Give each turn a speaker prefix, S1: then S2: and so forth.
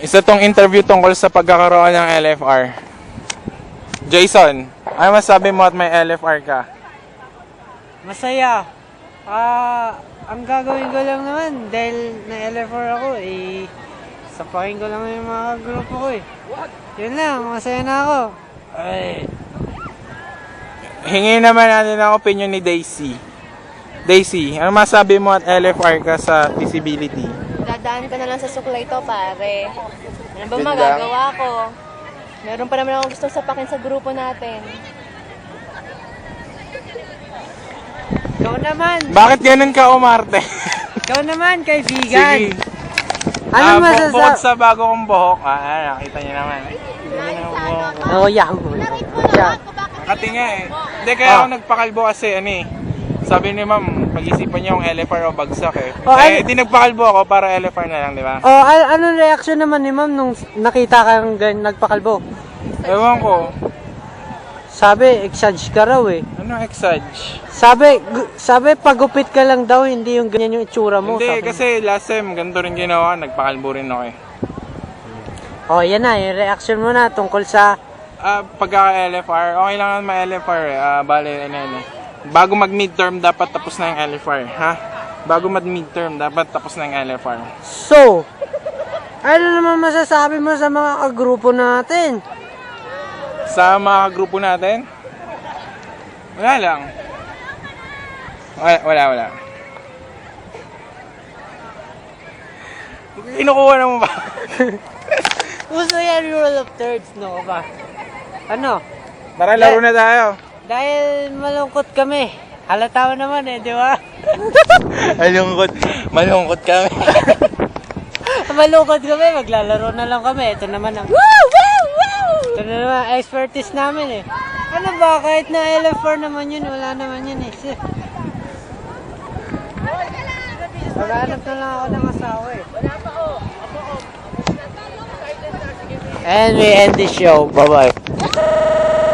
S1: Isa tong interview tungkol sa pagkakaroon ng LFR. Jason, ano masabi mo at may LFR ka?
S2: Masaya. Ang gagawin ko lang naman dahil na LFR ako, sapakin ko lang yung mga grupo ko eh. Yun lang, masaya na ako. Ay.
S1: Hingi naman natin ang opinion ni Daisy. Daisy, ano masabi mo at LFR ka sa feasibility?
S3: Dadaan ko na lang sa suklay to, pare. Ano ba
S1: Yun
S3: magagawa ko? Meron pa naman akong gusto sapakin sa grupo natin.
S2: Ikaw naman.
S1: Bakit ganun ka umarte?
S2: Ikaw naman, kaibigan.
S1: Sige.
S2: Ano
S1: Bukod
S2: masasabi?
S1: sa bago kong buhok, nakita niyo naman.
S2: Oh, Yahoo. Yeah.
S1: Kati nga eh. Hindi, kaya ako nagpakalbo kasi sabi ni ma'am, pag-isipan niyo yung LFR o bagsak eh. Di nagpakalbo ako para LFR na lang, di ba?
S2: Oh, anong reaction naman ni ma'am nung nakita kang nagpakalbo?
S1: Ewan ko.
S2: Sabi, exage ka raw eh.
S1: Ano exage?
S2: Sabi pagupit ka lang daw, hindi yung ganyan yung itsura mo.
S1: Hindi,
S2: sabi.
S1: kasi last time, ganito rin ginawa, nagpakalbo rin ako eh.
S2: Oh, yan na, yung reaction mo na tungkol sa...
S1: Pagka-LFR, okay lang naman ma-LFR eh. Bago mag-midterm, dapat tapos na yung LFR, ha? Bago mag-midterm, dapat tapos na yung LFR.
S2: So, ano naman masasabi mo sa mga kagrupo natin?
S1: Sa mga grupo natin, wala lang. Wala. Kinukuha na mo ba?
S2: Uso yan, rule of thirds, no ba? Ano?
S1: Tara, laro na tayo.
S2: Dahil malungkot kami. Halata mo naman eh, di ba?
S1: Malungkot kami.
S2: Malungkot kami, maglalaro na lang kami. Ito naman ang... Ito na naman, expertise namin eh. Ano ba, kahit na LFR naman yun, wala naman yun eh. Maghanap na lang ako ng asawa eh. And we end the show. Bye-bye.